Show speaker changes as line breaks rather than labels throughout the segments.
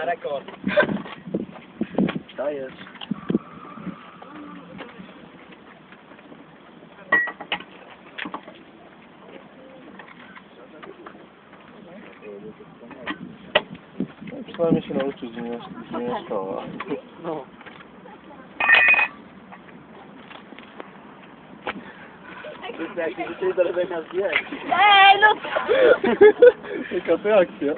rekord.
Dajesz.
Przynajmniej się nauczyć, że nie szkoła.
No. To jest jak dzisiaj do robienia zdjęć.
Ej, no
Jaka to akcja?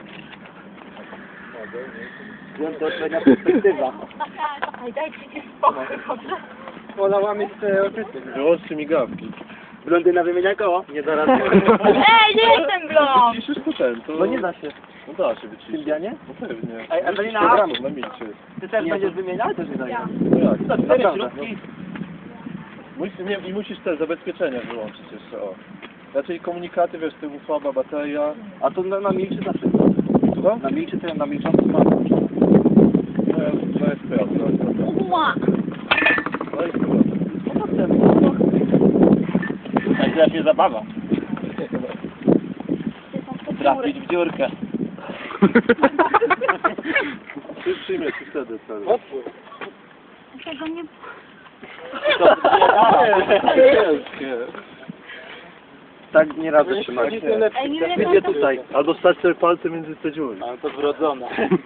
Wiem, to odpowiednia perspektywa.
Ej, dajcie mi spokój, dobrze?
Ona łamie te oczyty.
Wyłączcie migawki.
Blondyna wymienia koło? Nie da rady.
Ej, nie jestem blond!
Ciszysz to ten, to...
No nie da się.
No da się wyciszyć.
Sylwianie?
No pewnie.
Ej, Ewelina!
Programów na milczy.
Ty też będziesz wymieniał? Też nie daje.
No jak?
Naprawdę.
I musisz te zabezpieczenia wyłączyć jeszcze, o. Raczej komunikaty, wiesz, tyłu słaba bateria.
A to na milczy zawsze.
Co?
Na milczy to ja na milczący mam.
No jest prawda.
Ła!
No i prawda.
No potem. Tak teraz się zabawa. Trafić w dziurkę.
Przyjmie ci wtedy cel.
Otwór.
Tego nie...
Tak nie radzę trzymać.
Ej, nie wiem,
Idzie tutaj.
Albo stać sobie palce między te dziury.
Ale to wrodzone.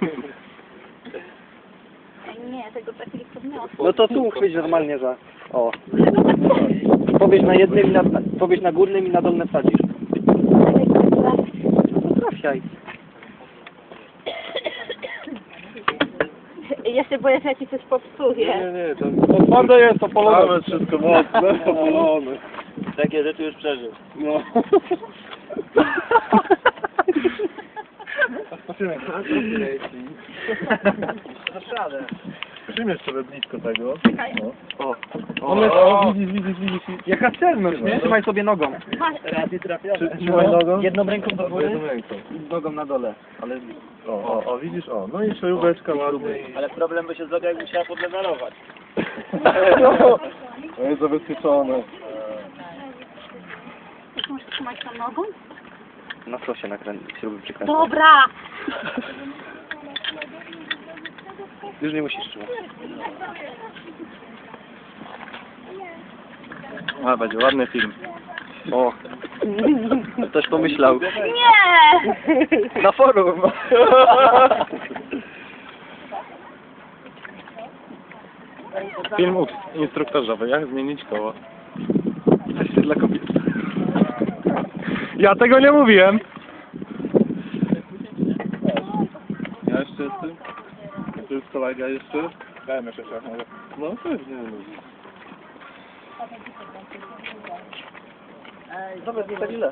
Ej, nie, tego tak nie podniosę.
No to tu chwyć normalnie za... O. Powiedz na jednym i na... Powiedz na górnym i na dolne wsadzisz. No trafiaj.
Ja się boję, że ja ci coś popsuję.
Nie, to twarde jest, to polone. Mamy wszystko mocne, to polone.
Takie rzeczy już przeżył.
No. Przyjmiesz sobie blisko tego.
Czekaj.
O.
O.
Widzisz.
Jaka celność, nie? Trzymaj sobie nogą.
Masz.
Razy trafione.
Trzymaj nogą.
Jedną ręką do góry
Jedną ręką.
i nogą na dole. Ale...
O, widzisz, o. No i szaróweczka ładnie.
Ale problem by się zrobił, jak musiała podlewarować.
No jest zabezpieczone.
Ty musisz trzymać tą nogą?
Na co się śruby przykręcać?
Dobra!
Już nie musisz trzymać.
A, będzie ładny film.
O. Ktoś pomyślał.
Nie!
Na forum.
Film instruktażowy, jak zmienić koło. Coś dla kobiet. Ja tego nie mówiłem. Ja jeszcze jestem? To jest kolega jeszcze? Dajmy jeszcze trochę. No pewnie.
Dobra, nie tak źle.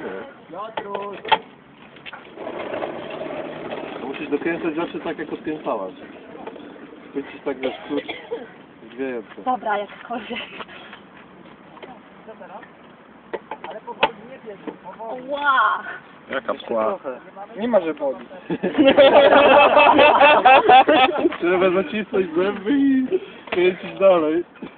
Musisz dokręcać zawsze tak, jak odkręcałaś. Chwycisz tak, wiesz, klucz zwiejący.
Dobra, jakkolwiek. Ła!
Jaka pchła?
Nie ma, że boli.
Trzeba zacisnąć zęby i kręcić dalej.